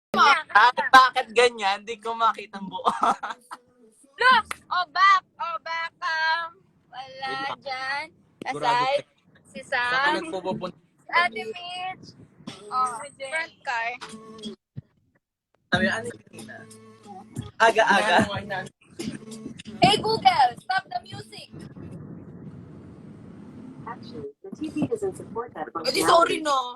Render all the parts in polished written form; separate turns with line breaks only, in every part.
Bakit ganyan? Hindi ko makita ang buo.
Look! back. Wala dyan. Aside, si
Saka
Sam,
nagpupunta.
Ate Mitch. Front car.
Sabi, ano yun? Aga-aga.
Hey Google, stop the music.
Actually, the TV doesn't support that
Edi
functionality.
sorry no.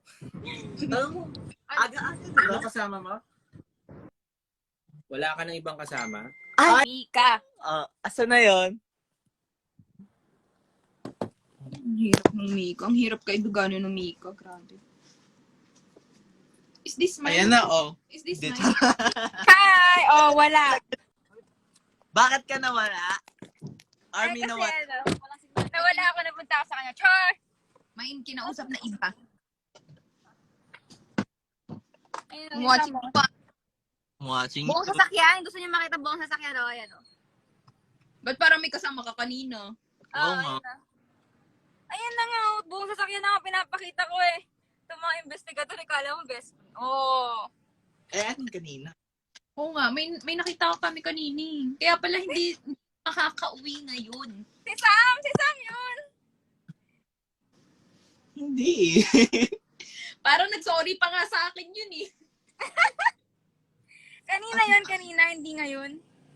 Aga-aga.
Ano kasama mo? Wala ka ng ibang kasama?
Ay, Mika.
Asa na yun?
Ang hirap ng Mika. Ang hirap kaibiganin ng Mika. Grabe. Is this mine?
Ayan na, oh.
Is this
Dito.
mine?
Hi! Wala.
Bakit ka nawala? Army
Kasi
nawala.
nawala ako, napunta ako sa kanya. Char!
May kinausap na iba.
Ayun,
Watching
mo.
pa.
Watching.
Buong sasakyan. Gusto niyo makita buong sasakyan? Ayan o.
Ba't parang may kasama ka kanina?
Oo nga.
Ayan na. Ayan na nga. Buong sasakyan na nga pinapakita ko eh. Itong mga investigator, kala mo best.
Anong kanina?
Oo nga, may nakita ko kami kanini. Kaya pala hindi makakauwi ngayon.
Si Sam yun.
Hindi.
Parang nag-sorry pa nga sa akin yun eh.
Kanina, hindi ngayon.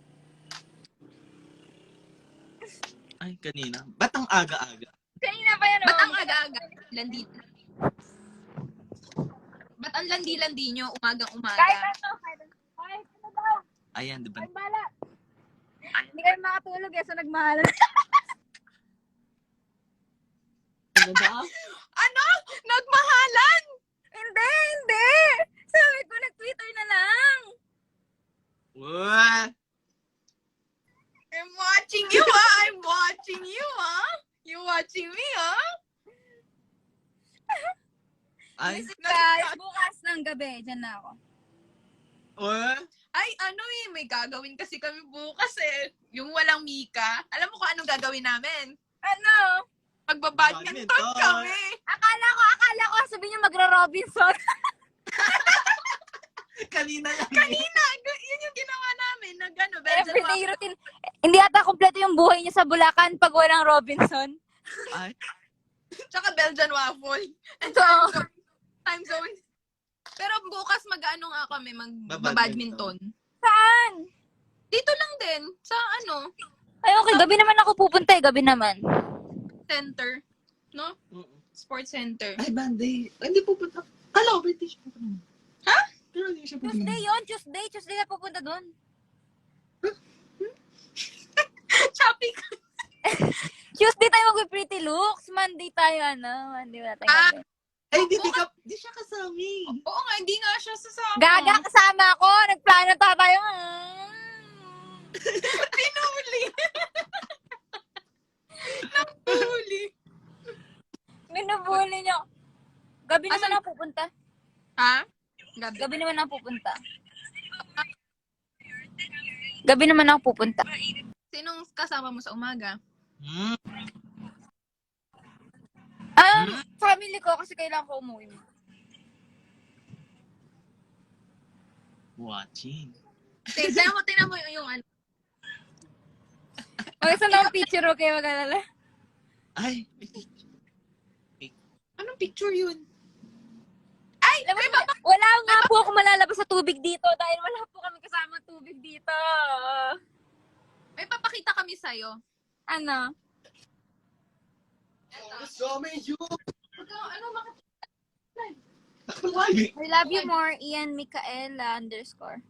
Ay, kanina. Ba't ang aga-aga?
Kanina pa yan,
Ba't ang aga-aga? Landi. Ba't ang landi-landi nyo umagang-umaga?
Kahit ano daw.
Ayan, diba?
Ang bala. Hindi kayo makatulog so nagmahalan.
Ano ba?
Ano? Nagmahalan?
Hindi. Sabi ko, nag-Twitter na lang.
What?
I'm watching you, ah! I'm watching you, ah! You watching me, ah?
Ay,
Guys, bukas ng gabi, dyan na ako.
what?
Ay, ano eh, may gagawin kasi kami bukas eh. Yung walang Mika. Alam mo kung anong gagawin namin?
Ano?
Magbabadminton
Badminton.
kami.
Akala ko, sabihin niyo magro-Robinson.
Kanina lang.
Kanina, yun yung ginawa namin. Nag-ano,
Everyday routine. Hindi ata kompleto yung buhay niya sa Bulacan pag walang Robinson.
Ay,
Tsaka Belgian waffle. And
Ito.
time zone. Pero bukas mag-ano nga kami,
Babadminton.
mag-badminton.
Saan?
Dito lang din, sa ano,
Ay, okay. Gabi naman ako pupunta eh. Gabi naman.
center. No? Sports center.
ay, Bande. Hindi pupunta. Kala ko, British pupunta.
Ha?
Pero hindi siya pupunta.
Tuesday yun. Tuesday na pupunta doon.
Shopping.
Tuesday tayo mag-pretty looks. Monday tayo, Monday wala tayo.
Ah.
gabi.
Ay, di siya kasami.
Oo nga, hindi nga siya sasama.
Gaga, kasama ako. Nagplano tayo.
Pinuli. Napuli.
Minubuli niyo. Gabi naman
Asan?
ako pupunta.
Ha? Gabi.
Gabi naman ako pupunta. Gabi naman ako pupunta.
Sinong kasama mo sa umaga?
Family ko kasi kailangan ko umuwi.
Watching.
Tingnan mo yung ano.
Okay, saan lang picture, okay, mag-alala?
Ay,
Anong picture yun?
Alam mo, wala nga po ako malalabas sa tubig dito dahil wala po kami kasama tubig dito.
May papakita kami sa'yo.
Ano? I love you more, Ian Micaela _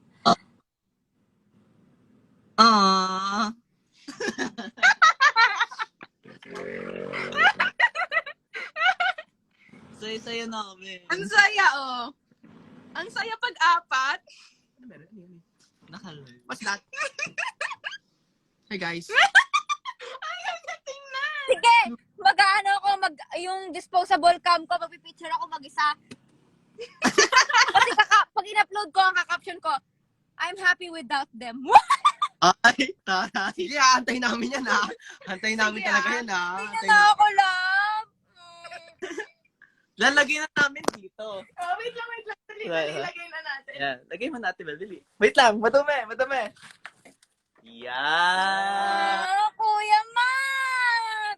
ah. Saya-saya namin.
Ang saya, oh. Ang saya pag-apat.
Nakaloy.
What's that? Hey guys.
Ayaw na tingnan.
Sige, mag-ano ako, yung disposable cam ko, magpipicture ako mag-isa. Kasi pag in-upload ko, ang kakaption ko, I'm happy without them.
Ay, taray.
Sige, antayin namin yan ha. Antayin namin
Sige,
talaga yan ha.
Hindi
Antayin
na
namin.
ako, love.
Lalagay na namin dito.
Oh, wait lang. Dali,
Right,
ilagay na natin.
Yan. Lagay mo natin, Bel. Wait lang. Madumi. Yan.
Kuya Matt!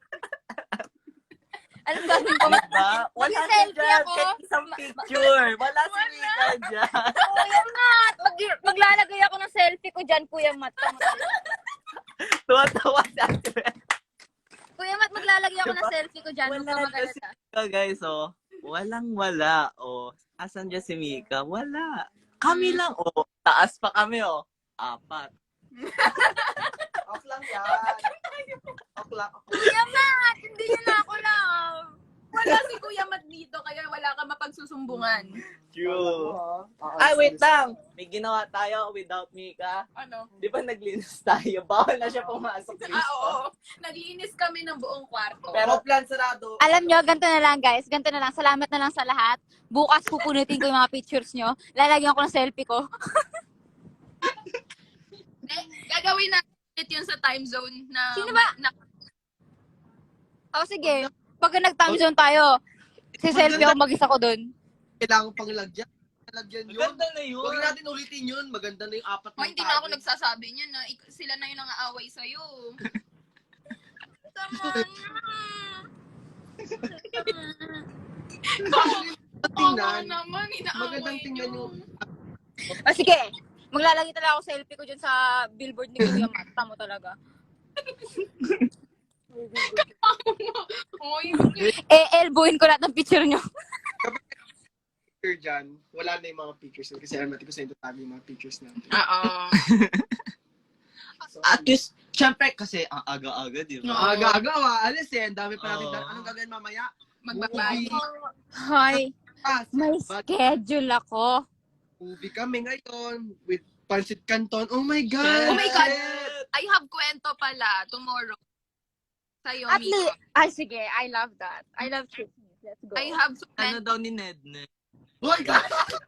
Anong gagawin ko?
Diba? Wala si
Mag-selfie
dyan.
ako.
Kahit isang picture. Wala si Mika dyan.
Kuya Matt! Maglalagay ako ng selfie ko dyan, Kuya Matt.
Tuwa-tuwa si Ate Bel.
Kuya Matt, maglalagay ako ng
Diba?
selfie ko dyan. Huwag ka
Wala
mag-alala.
kasi Mika, guys, oh. Walang-wala, oh. Asan dyan si Mika? Wala. Kami lang, oh. Taas pa kami, oh. 4.
Off lang yan. Off lang.
Kuya Matt! Hindi niyo na ako love.
Wala si Kuya Matt dito, kaya wala ka mapagsusumbungan.
True. Ay, wait lang. May ginawa tayo without Mika.
Ano?
Di ba naglinis tayo? Bawal na siya pumasok dito.
Oo. Naglinis kami ng buong kwarto.
Pero,
Plan sarado.
Alam nyo, ganito na lang guys. Ganito na lang. Salamat na lang sa lahat. Bukas pupunutin ko yung mga pictures nyo. Lalagyan ko ng selfie ko.
Gagawin natin yun sa time zone na...
Sino ba?
Na,
O sige. Pag nag-time zone tayo, si selfie ako mag-isa ko dun.
Kailangan pang lagyan. Lagyan yun.
maganda na yun.
Huwag natin ulitin yun. Maganda na yung 4
oh, hindi na ako nagsasabi niyan na sila na yung nangaaway sa'yo. Tama na.
Tingnan.
naman, inaaway
Magandang tingnan
niyo.
yung...
O sige. Maglalagay talaga ako selfie ko dyan sa billboard ni Kuya Matt. Tamo talaga.
Oy,
Elbowin ko lahat ng picture nyo.
Picture dyan, wala na yung mga pictures. Kasi alam natin kung saan ito tabi yung mga pictures natin.
Oo.
At least, syempre, kasi ang aga-aga, di ba?
Aga-aga, alis eh. Ang dami pa natin.
Oo.
Anong gagawin mamaya?
Magbabago.
Hi.
Ah,
May schedule ako.
movie kami ngayon with Pancit Canton. Oh my God!
Oh my God! I have kwento pala tomorrow. Sa'yo,
At
Mika.
least, sige, I love that. I love Christmas. Let's go.
I have
Ano daw ni Ned?
Oh my God!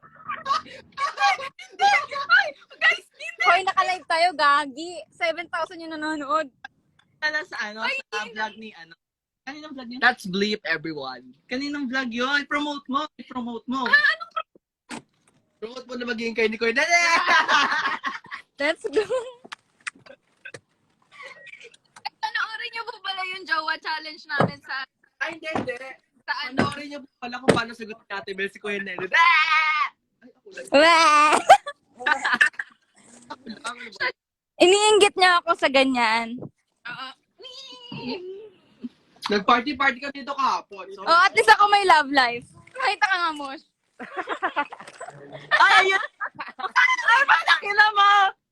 Guys, hindi!
Hoy, naka-live tayo, gagi. 7,000 yung nanonood.
Pala sa ano, sa vlog ni ano. Kaninang vlog yun?
That's bleep, everyone.
Kaninang vlog yun? Promote mo.
Promote mo na magiging kay ni Koy. Dali!
Let's go.
Panoorin niyo po pala yung Jowa Challenge namin sa
Ay, hindi.
ano.
Panoorin niyo po pala kung paano sagot ni Ate Bel si Kuya Nelo. Ay, ako lang.
Wah!
Ako lang.
Iniinggit niya ako sa ganyan.
Oo.
Nag-party-party kami dito kahapon. So,
Oh, at least ako may love life. Nakita ka nga, Mosh.
Ay, ayun! Ay, malakila mo!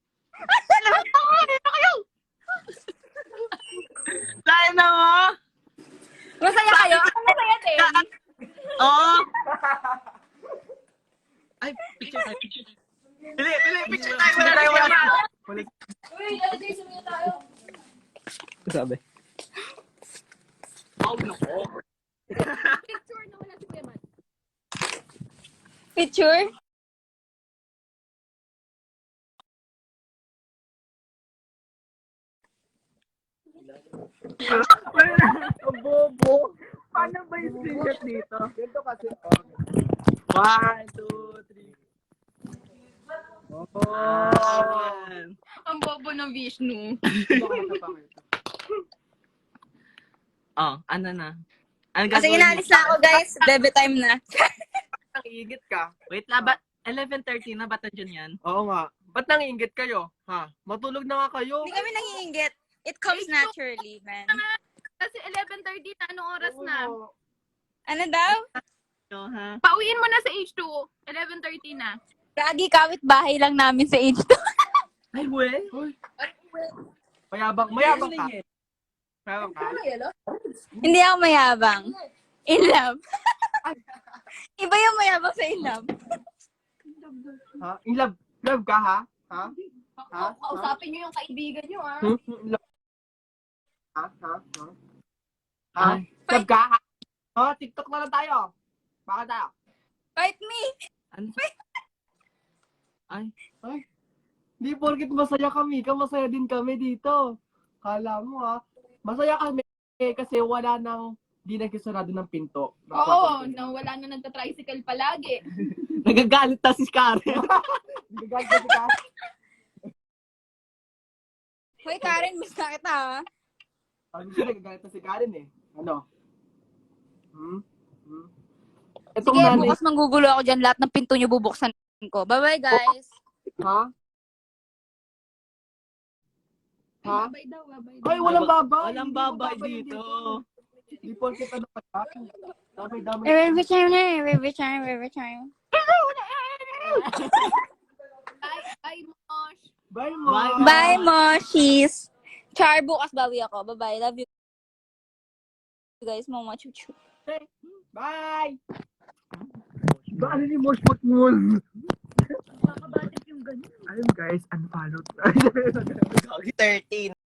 Tayo na mo!
Masaya kayo? Ako masaya din.
Oo! Ay, picture tayo. Bili, picture tayo. Wala.
Uy, lalagay sa mga tayo.
Sabi.
oh, no.
Picture na wala si Kuya Matt. Picture?
Ang bobo. Paano ba yung screenshot dito?
Ganito kasi.
1, 2, 3. Oh.
Ang bobo ng Vishnu.
Oh, ano na? Ano
Kasi
gagawin
inalis
niyo?
na ako, guys. Bebe time na.
Nangiingit ka?
Wait lang, ba? 11:30 na, ba't nandiyan yan?
Oo nga. Ba't nangiingit kayo? Ha? Matulog na nga kayo.
Hindi kami nangiinggit. It comes naturally, man.
Kasi 11:30 na, anong oras na?
Ano daw?
No, ha?
Pauwiin mo na sa H2. 11:30 na.
Gagi, kawit bahay lang namin sa age 2.
Ay, we?
Mayabang ka. Mayabang ka?
Hindi ako mayabang. In love. Iba yung mayabang sa in love.
Ha? In love? Love ka, ha? Ha? Ha?
Kausapin niyo yung kaibigan niyo, ah.
In love? Ha? Ha? Ha? Ha?
Ay.
Love ka, ha? Oh, TikTok na lang tayo. Baka tayo.
Fight me!
Ano? Ay,
Di porkit masaya kami, masaya din kami dito. Kala mo ha, masaya kami kasi wala nang Di nagkasarado ng pinto.
Oo, wala na nagta-tricycle palagi.
Nagagalit na si Karen.
Nagagalit na si Karen.
Hoy, Karen, miss na kita, ha?
Ano siya, nagagalit na si Karen eh. Ano? Itong
Sige,
nanay,
bukas manggugulo ako dyan. Lahat ng pinto nyo bubuksan ko. Bye-bye, guys.
ha? Ha?
Babay daw, babay daw.
Ay, walang babay.
Walang
Hindi mo
babay
babay
dito.
Di po kita na pala. Damay-damay.
Every time na, every time.
Bye, Mosh.
Bye mo.
Bye.
Bye, Moshies. Char, bukas bawi ako. Bye-bye. Love you guys. Mama, chuchu.
Bye. Ba, ano ni Mosh Putmul?
Nakakabatik yung ganyan.
Ayun guys, unfollow.
13.